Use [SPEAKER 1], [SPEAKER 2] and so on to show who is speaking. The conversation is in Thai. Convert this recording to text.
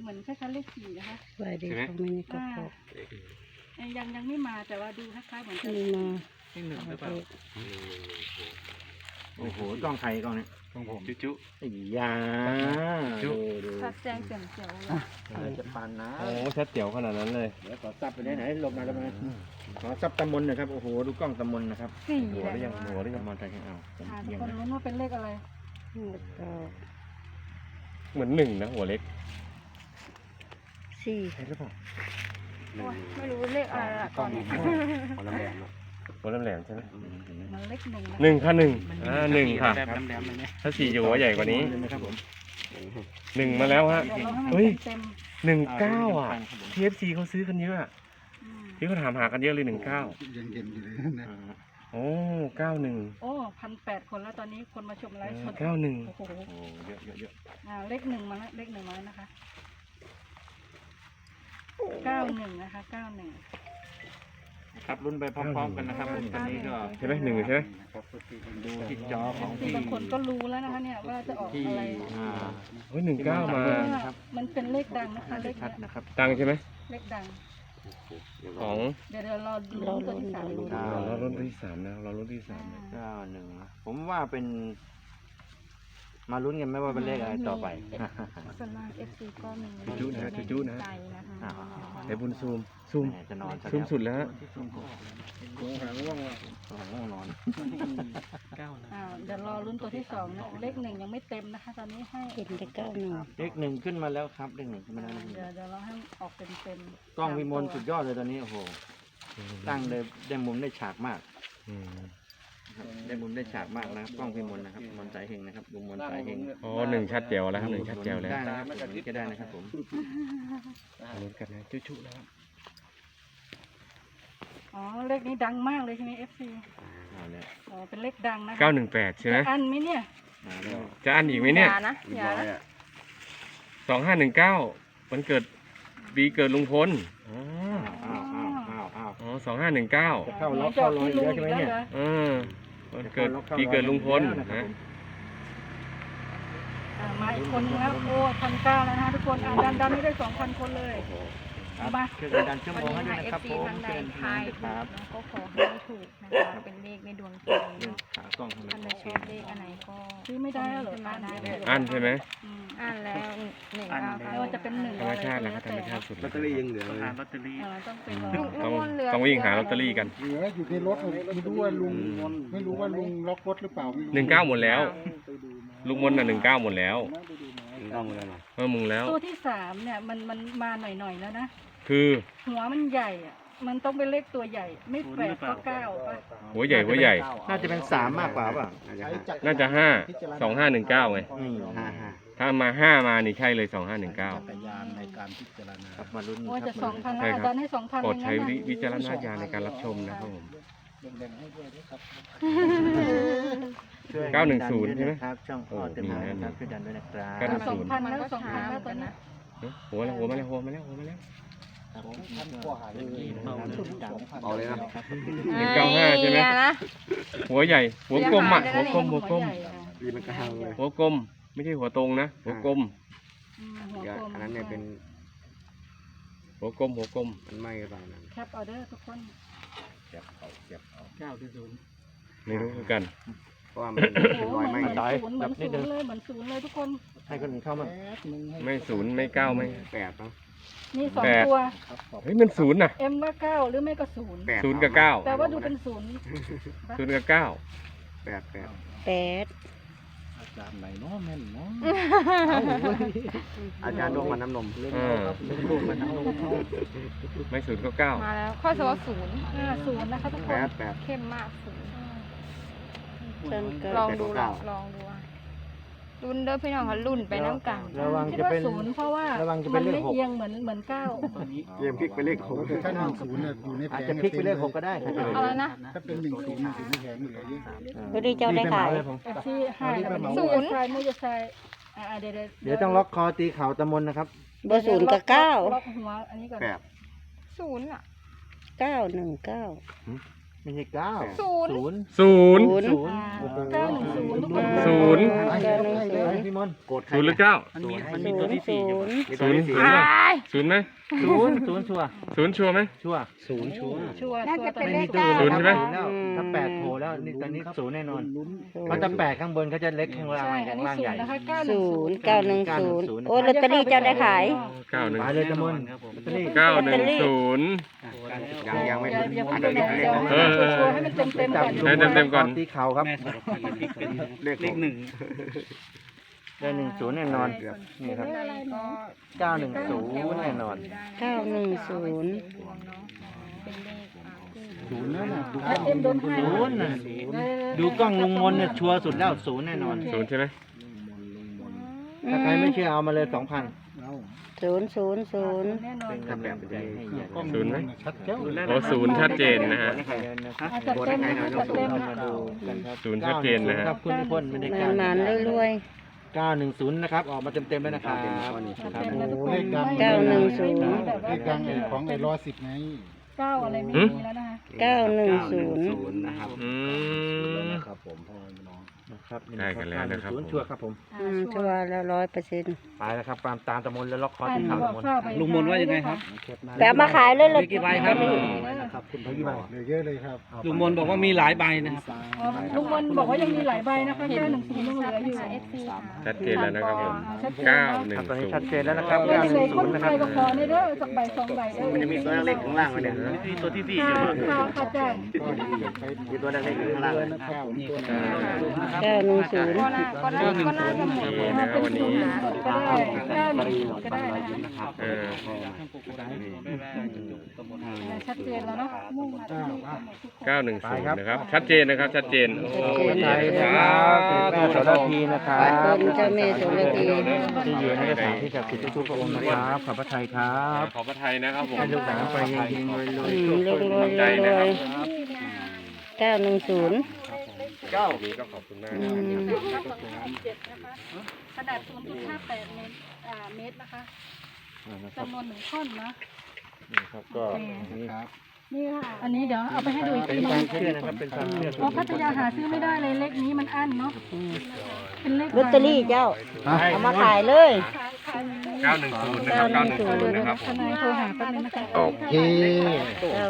[SPEAKER 1] เหมือนคล้ายๆเลข4นะคะ
[SPEAKER 2] สวัสดีค่ะมินิกระปก
[SPEAKER 1] ยังไม่มาแต่ว่าดูคล้ายๆเหมือนจะ
[SPEAKER 2] มีมา
[SPEAKER 3] เลขหนึ่งหรือเปล่า
[SPEAKER 4] โอ้โหกล้องใครกล้องเนี่ย
[SPEAKER 3] ของผมจุ๊
[SPEAKER 4] ไอ้ยาดู
[SPEAKER 1] ชัดแจ้งแจ่มแจ๋วเลย
[SPEAKER 4] จะปานนะ
[SPEAKER 3] โอ้ชัดเจ๋วขนาดนั้นเลย
[SPEAKER 4] เดี๋ยวขอซับไปไหนลงมาแล้วมาขอซับตำมนนะครับโอ้โหดูกล้องตำมนนะครับ
[SPEAKER 1] 4
[SPEAKER 4] หัว
[SPEAKER 1] แหละ
[SPEAKER 4] หรือยังหัวหรือยังมอนใจกันเอาผม
[SPEAKER 1] ทุ
[SPEAKER 4] เอี
[SPEAKER 1] ก
[SPEAKER 4] ยง
[SPEAKER 1] คน
[SPEAKER 4] นะ
[SPEAKER 1] รู้ว่าเป็นเลขอะไร
[SPEAKER 2] แล้วก็
[SPEAKER 3] เหมือนหนึ่งนะหัวเล็ก
[SPEAKER 2] สี่
[SPEAKER 4] ใช่หรือเปล่า
[SPEAKER 1] ไม่รู้เลขอะไรละตอนนี้
[SPEAKER 4] หัวแหลม
[SPEAKER 3] หัวแหลมๆใช่ไหม
[SPEAKER 1] มันเลข1นะ
[SPEAKER 3] หนึ่งค่ะหนึ่งหนึ่งค่ะ
[SPEAKER 4] ครับแหลมเลยเนี่ย
[SPEAKER 3] ถ้าสี่อยู่หัวใหญ่กว่านี้
[SPEAKER 4] นะครับผม
[SPEAKER 3] หนึ่งมาแล้วฮะ
[SPEAKER 1] เดี๋ยวเราให้
[SPEAKER 3] เฮ้ย
[SPEAKER 1] มันเต็ม
[SPEAKER 3] 19อ่ะ TFC เขาซื้อกันเยอะอะ
[SPEAKER 1] ๆอืม
[SPEAKER 3] ที่เขาถามหากันเยอะเลย19
[SPEAKER 4] ยังเย็นอยู่เลยนะ
[SPEAKER 3] โอ้91
[SPEAKER 1] โอ้1,800 คนแล้วตอนนี้คนมาชมไลฟ์สด
[SPEAKER 3] 91
[SPEAKER 1] โอ้โห
[SPEAKER 4] โอ้เยอะเยอะเยอะ
[SPEAKER 1] เลข1มาแล้วเลข1มาแล้วนะคะ91นะคะ91
[SPEAKER 4] ครับรุ่นไปพร้อมๆกันนะครับผมตอนนี้ก็
[SPEAKER 3] ใช่ไหมหนึ่งใช่ไหม
[SPEAKER 4] ดูที่จอของ
[SPEAKER 1] ที่บางคนก็รู้แล้วนะคะเนี่ยว่าจะออก
[SPEAKER 4] ที่
[SPEAKER 1] อะไร
[SPEAKER 3] เฮ้ย19มา
[SPEAKER 1] มันเป็นเลขดังนะคะเลข
[SPEAKER 4] ชัด
[SPEAKER 1] เนี้ย
[SPEAKER 4] นะครับ
[SPEAKER 3] ตังใช่ไหม
[SPEAKER 1] เลขดัง
[SPEAKER 3] ของ
[SPEAKER 1] เดี๋ยวรอดูตัวที่3ดู
[SPEAKER 3] เรารุ่นที่3นะเรารุ่นที่3นะ
[SPEAKER 4] 91นะผมว่าเป็นมาลุ้นกันไหมว่าเป็นเลขอะไรต่อไป
[SPEAKER 1] ส่วนมาก FC ก็มี
[SPEAKER 3] จุ๊นะจุ๊นะ
[SPEAKER 1] ใจนะคะ
[SPEAKER 3] ไอ้บุญซูม
[SPEAKER 4] จะนอน
[SPEAKER 3] ซูมสุดแล้ว
[SPEAKER 4] ง่วงนอน
[SPEAKER 1] เดี๋ยวรอรุ่นตัวที่2นะเลข1ยังไม่เต็มนะคะ ตอนนี้ให้
[SPEAKER 2] เห็นแต่91
[SPEAKER 4] เลข1ขึ้นมาแล้วครับเลข1ขึ้นมาแล้ว
[SPEAKER 1] เดี๋ยวเราให้ออกเต็ม
[SPEAKER 4] กล้องวิมลสุดยอดเลยตอนนี้โอ้โหตั้งได้มุมได้ฉากมาก
[SPEAKER 3] อืม
[SPEAKER 4] ครับได้มุมได้ฉากมากนะครับกล้องวิมลนะครับมนสายเฮงนะครับลุงมนสายเฮง
[SPEAKER 3] อ๋อหนึ่งชัดแจ๋วแล้วครับหนึ่งชัดแจ๋วแล้ว
[SPEAKER 4] ได้นะครับผมก็ได้นะครับผม
[SPEAKER 3] ลุ้นกันนะจุ๊แล้ว
[SPEAKER 1] อ๋อเลขนี้ดังมากเลยใช่ไหม FC
[SPEAKER 4] เอาแล้ว
[SPEAKER 1] อ๋อเป็นเลขดังนะคะ
[SPEAKER 3] 918ใช่ไหม
[SPEAKER 1] จะอันไหมเนี่ย
[SPEAKER 4] มาแล้ว
[SPEAKER 3] จะอันอีกไหมเนี่ย
[SPEAKER 1] อย่านะอย่านะ
[SPEAKER 3] 2519วันเกิดปีเกิดลุงพลอ๋อ
[SPEAKER 4] อ้าว
[SPEAKER 3] อ๋อ2519
[SPEAKER 4] จะเข้าล็อกเข้ารอยอีกแล้วใช่ไหมเนี่ย
[SPEAKER 3] เออวันเกิดปีเกิดลุงพลนะ
[SPEAKER 1] มาอีกคนนึงแล้วโอ้1,900แล้วนะคะทุกคนดันไม่ได้ 2,000 คนเลยมา
[SPEAKER 4] คือดันชั่วโมงให้ด้วยนะครับผม
[SPEAKER 5] ทางใด
[SPEAKER 4] เชิญ
[SPEAKER 5] ทาย
[SPEAKER 4] ค
[SPEAKER 5] ถู
[SPEAKER 4] รั
[SPEAKER 5] ก
[SPEAKER 4] บ
[SPEAKER 5] ก็ขอให้ถูกนะคะเป็นเลขในดวงใจเนาะ
[SPEAKER 4] ขากล้องทำไม
[SPEAKER 5] ท่านใดชอบเลขอันไหนก็
[SPEAKER 1] ซื้อไม่ได้เหรอ
[SPEAKER 5] มาได้เลย
[SPEAKER 3] อันใช่ไหม
[SPEAKER 5] อ่านแล้ว199
[SPEAKER 1] ไม่ว่าจะเป็น1
[SPEAKER 3] ธรรมชาติแล้วก็ธรรมชาติสุด
[SPEAKER 4] ลอตเตอรี่ยังเหลือ
[SPEAKER 1] ต้องเป็น
[SPEAKER 3] ต้องวิ่งหาลอตเตอรี่กัน
[SPEAKER 6] เหลืออยู่ในรถไม่รู้ว่าลุงล็อกรถหรือเปล่าไม่รู้
[SPEAKER 3] 19หมดแล้ว ลุงมนน่ะ19หมดแล้ว
[SPEAKER 4] ต้องเลยนะ
[SPEAKER 3] มึงแล้ว
[SPEAKER 1] ตัวที่3เนี่ยมันมาหน่อยๆแล้วนะ
[SPEAKER 3] คือ
[SPEAKER 1] หัวมันใหญ่อะมันต้องเป็นเลขตัวใหญ่ ไม่8ก็9ป่ะ
[SPEAKER 3] หัวใหญ่
[SPEAKER 4] น่าจะเป็น3มากกว่าป่ะ
[SPEAKER 3] น่าจะ5 2519ไง
[SPEAKER 4] 5
[SPEAKER 3] ถ้ามา5มานี่ใช่เลย2519
[SPEAKER 6] จักรยานในการพิจารณา
[SPEAKER 4] ครับมาลุ้น
[SPEAKER 1] โอ้ย
[SPEAKER 4] ครั
[SPEAKER 1] จะ
[SPEAKER 4] บ
[SPEAKER 1] 2,000
[SPEAKER 3] ใช่
[SPEAKER 1] แล้ว
[SPEAKER 3] ครับ
[SPEAKER 1] ดันให้2,000
[SPEAKER 3] โปรด
[SPEAKER 1] เลย
[SPEAKER 3] ใช้
[SPEAKER 1] นะ
[SPEAKER 3] วิจารณญาณในการรับชมนะครับผม
[SPEAKER 6] แบ่งให้ด้วยนะครับ
[SPEAKER 3] 910ใช่ไหม
[SPEAKER 4] ครับช่องพ่อเต็มเลยนะครับช่วยดันด้วยนะครับ
[SPEAKER 3] 910
[SPEAKER 1] 2,000แล้ว2,000แล้วตอนนี้
[SPEAKER 3] หัวมาแล้ว
[SPEAKER 6] ท่านก็หาเลย
[SPEAKER 4] เอาเลยนะ
[SPEAKER 3] 195ใช่ไหม
[SPEAKER 5] นะ
[SPEAKER 3] หัวใหญ่ หัวกลมอ่ะ หัวกลม
[SPEAKER 1] หัวใหญ่อะ
[SPEAKER 4] ดีมันก็ห่างเลย
[SPEAKER 3] หัวกลม ไม่ใช่หัวตรงนะ หัวกลม
[SPEAKER 1] หัวกลม
[SPEAKER 4] อันนั้นเนี่ยเป็น
[SPEAKER 3] หัวกลม
[SPEAKER 4] มันไหม้หรือเปล่านะ
[SPEAKER 1] แคปออเดอร์ทุกคน
[SPEAKER 4] เก็บเอา9-0
[SPEAKER 3] ไม่รู้เหมือนกัน
[SPEAKER 4] เพราะว่ามัน
[SPEAKER 1] โอ้
[SPEAKER 4] เป็นรอยไหม้
[SPEAKER 1] เหมือน
[SPEAKER 4] ตาย
[SPEAKER 1] ศูนย์เหมือนศูนย์เลยเหมือนศูนย์เลยทุกคน
[SPEAKER 4] ให้คนอื่นเข้ามา
[SPEAKER 3] ไม่ศูนย์ไม่เก้าไม่
[SPEAKER 4] 8เนาะ
[SPEAKER 1] นี่2
[SPEAKER 3] แปด
[SPEAKER 1] ตัว
[SPEAKER 3] เฮ้ยมันศูนย์น่ะ
[SPEAKER 1] เอ็มว่า9หรือไม่ก็0
[SPEAKER 4] 8
[SPEAKER 3] 0กับ9
[SPEAKER 1] แต่ว่าดูเป็น0
[SPEAKER 3] 0กับ9
[SPEAKER 4] 8
[SPEAKER 2] 8
[SPEAKER 6] อาจารย์ไหนเนาะแม่นเนาะ
[SPEAKER 4] อาจารย์ดวงมันน้ำนม
[SPEAKER 6] ดวงมันเอา
[SPEAKER 3] ไม่ศูนย์ก็9
[SPEAKER 5] มาแล้วข้อสอบศูนย์
[SPEAKER 1] 50นะคะทุกคน
[SPEAKER 4] 8
[SPEAKER 5] เข้มมากศูนย์
[SPEAKER 2] ต้นก็
[SPEAKER 5] ลองดูอ่ะรุ่นเด้อพี่น้องค่ะรุ่นไปน้ำกัน
[SPEAKER 4] ระวัง
[SPEAKER 1] คิด
[SPEAKER 4] จะ
[SPEAKER 1] ว่า
[SPEAKER 4] เป็น
[SPEAKER 1] 0เพราะว่า
[SPEAKER 4] ระวังจะเป็
[SPEAKER 1] มัน น
[SPEAKER 4] เลข
[SPEAKER 1] ไม่
[SPEAKER 4] 6
[SPEAKER 1] เอียงเหมือน9
[SPEAKER 4] เตรียมพลิกไปเลข
[SPEAKER 6] แต่ถ้า10เนี่ยอยู่ในแผ
[SPEAKER 4] อาจ
[SPEAKER 6] ง
[SPEAKER 4] จะพลิกไปเลข6ก็ได้ถ้าเกิด
[SPEAKER 5] อะไรนะ
[SPEAKER 6] ถ้าเป็น10อยู่ในแผงเหลือเยอะ
[SPEAKER 2] พอดีเจ้าได้ขาย
[SPEAKER 1] ที่ให้แล้วมัน
[SPEAKER 5] ศูนย์
[SPEAKER 1] ใช่ไม่จะใช่เดี๋ยว
[SPEAKER 4] เดี๋ยวต้องล็อกคอตีเข่าตะมนนะครับ
[SPEAKER 2] เบอร์0กับ
[SPEAKER 1] ล็อกหัวอันนี้ก่อน
[SPEAKER 4] 8
[SPEAKER 5] ศูนย์อ่ะ
[SPEAKER 2] 9 919
[SPEAKER 4] ไม่ใช่เก้า
[SPEAKER 5] ศูนย์
[SPEAKER 4] ศูนย์
[SPEAKER 3] ศูนย์
[SPEAKER 4] ศูนย์
[SPEAKER 1] 910ทุกคน
[SPEAKER 3] ศูนย์
[SPEAKER 4] พี่มนต์
[SPEAKER 3] ศูนย์หรือเก้า
[SPEAKER 2] มันมีตัวที่สี่อยู่
[SPEAKER 3] ศูนย์ศูนย์ป่ะศูนย์ไหม
[SPEAKER 4] ศูนย์ศูนย์ชัวร์
[SPEAKER 3] ศูนย์ชัวร์ไหม
[SPEAKER 4] ชัวร์
[SPEAKER 2] ศูนย์ชัวร์
[SPEAKER 1] ชัวร์
[SPEAKER 5] น่าจะเป็น
[SPEAKER 4] ไม่
[SPEAKER 5] เล
[SPEAKER 4] มี
[SPEAKER 5] ข
[SPEAKER 4] ตัว
[SPEAKER 5] เก้า
[SPEAKER 3] ศูนย์ใช่ไหม
[SPEAKER 4] แล้วถ้าแปดโผล่แล้วนี่ตอนนี้ศูนย์แน่นอนเพราะถ้าแปดข้างบนเขาจะเล็กข้างล่าง
[SPEAKER 1] ใช่อัน
[SPEAKER 4] ข้าง
[SPEAKER 1] นี้
[SPEAKER 4] ล่าง
[SPEAKER 1] ศู
[SPEAKER 4] ใหญ่
[SPEAKER 1] นย์นะคะ
[SPEAKER 2] ศูนย์910โอ้ลอตเตอรี่เจ้าได้ขาย
[SPEAKER 3] เก้าหนึ่ง
[SPEAKER 4] ไปเลยจำนวนลอตเตอรี่
[SPEAKER 3] 910
[SPEAKER 4] ยังไม่
[SPEAKER 1] อย่าเพิ่งเดี๋ยวชัวร์ให้มันเต็มๆก่อน
[SPEAKER 3] ให้เต็มๆก่อน
[SPEAKER 4] ตีเข่าครับ
[SPEAKER 6] เลขหนึ่ง
[SPEAKER 4] ได้10แน่นอนนี่ครับ910แน่นอน
[SPEAKER 2] 910
[SPEAKER 6] ศูนย์นั่นน่ะดู
[SPEAKER 1] เอ็มโดนให้
[SPEAKER 4] ศูนย์น่ะดูกล้องลุงมนเนี่ยชัวร์สุดแล้วศูนย์แน่นอน
[SPEAKER 3] ศูนย์ใช่ไหม
[SPEAKER 4] ถ้าใครไม่เชื่อเอามาเลย2,000
[SPEAKER 2] 000
[SPEAKER 1] แน่นอน
[SPEAKER 4] ครับแบบให้เยอะ
[SPEAKER 3] ศูนย์ไหม
[SPEAKER 6] ชัดเจ้า
[SPEAKER 3] โอ้ศูนย์ชัดเจนนะฮะ
[SPEAKER 1] จัดเต็มจัดเต็ม
[SPEAKER 4] มาดูกันครับ
[SPEAKER 3] ศูนย์ชัดเจนนะฮะ
[SPEAKER 4] ครับคุณทุกคนไม่ได้
[SPEAKER 2] นานๆรวย
[SPEAKER 4] 910นะครับออกมาเต็มๆแล้วนะครับครับ
[SPEAKER 6] โอ้เลขดัง
[SPEAKER 2] 910
[SPEAKER 6] เลขดังไอ้ของไอ้110ไง
[SPEAKER 1] 9อะไรไม่มีแล้วนะคะ
[SPEAKER 2] 910
[SPEAKER 4] นะครับ
[SPEAKER 3] อืม
[SPEAKER 6] ครับผมพ่อน้อง
[SPEAKER 4] นะครับ
[SPEAKER 3] ได้กันแล้วนะครับ
[SPEAKER 4] ศูนย์ชัวร์ครับผม
[SPEAKER 2] ชัวร์แล้ว100%
[SPEAKER 4] ไปแล้วครับตามตะมนแล้วล็อกคอที่เข่าตะมน
[SPEAKER 6] ลุงมนว่ายังไงครับ
[SPEAKER 2] แปะมาขายเลยเลย
[SPEAKER 6] กี่ใบครับ
[SPEAKER 4] ครับคุณพยี่บ
[SPEAKER 6] เหลือเยอะเลยครับลุงมนบอกว่ามีหลายใบนะครับ
[SPEAKER 1] ลุงมนบอกว่ายังมีหลายใบนะคะ910ยังเหลืออยู่
[SPEAKER 3] ชัดเจนแล้วนะครับผม
[SPEAKER 4] ครับตอนนี้ชัดเจนแล้วนะครับ
[SPEAKER 1] ก็ยังเหลือคน
[SPEAKER 4] 910นะค
[SPEAKER 1] ไท
[SPEAKER 4] รับ
[SPEAKER 1] ยก็ขอในเด้อสักใบ2ใบเด้อ
[SPEAKER 4] มันจะมีตัวเล็กข้างล่างไว้เนี่ย
[SPEAKER 6] ตัวที่สี่
[SPEAKER 1] ค่ะค่ะจ้ะ
[SPEAKER 4] มีตัวเล็กข้างล่าง
[SPEAKER 6] นะครับผมตัว
[SPEAKER 2] 910
[SPEAKER 5] ก็น่าจะหมด
[SPEAKER 3] นี่นะครับวันนี้
[SPEAKER 1] ก็ได้910ก็ได้
[SPEAKER 3] เออ
[SPEAKER 1] ชัดเจนแล้วเนาะมุ่งมาที่นี่
[SPEAKER 3] 910นะครับ ชัดเจนนะครับ ชัดเจน โอ้
[SPEAKER 4] ไท
[SPEAKER 3] ย
[SPEAKER 4] ยค
[SPEAKER 3] ค
[SPEAKER 4] รั
[SPEAKER 3] รั
[SPEAKER 4] บบ แม่โสระพีนะครับ
[SPEAKER 2] ขอบคุณเจ้าแม่โสระพี
[SPEAKER 4] ที่อยู่ในสถานที่ศักดิ์สิทธิ์ทุกพระองค์นะครับขอบพระทัยครับ
[SPEAKER 3] ขอพระไทยนะครับผม
[SPEAKER 4] ให้ลูกหลานไปยิงๆเลย
[SPEAKER 2] รวย910
[SPEAKER 3] นี่ก็ขอบคุณมาก
[SPEAKER 1] ขนาด 0.58 เมตรนะคะจำนวน1ท่อนนะ
[SPEAKER 4] ครับก็นี่
[SPEAKER 1] นี่ค่ะ อันนี้เดี๋ยวเอาไปให้ดูอีก
[SPEAKER 4] เป็
[SPEAKER 1] ที
[SPEAKER 4] น
[SPEAKER 1] นึ
[SPEAKER 4] ควาง มเชื่อนะครับเป็นความเชื่อ
[SPEAKER 1] เพราะพัทยาหาซื้อไม่ได้เลยเลขนี้มันอั้นเนาะเป็นเลข
[SPEAKER 2] ลอตเตอรี่เจ้า เอามาขายเลย
[SPEAKER 3] 910นะครับ910นะครับผม
[SPEAKER 1] ทนายโทรหาแป๊บนึงนะคะ
[SPEAKER 6] โอเค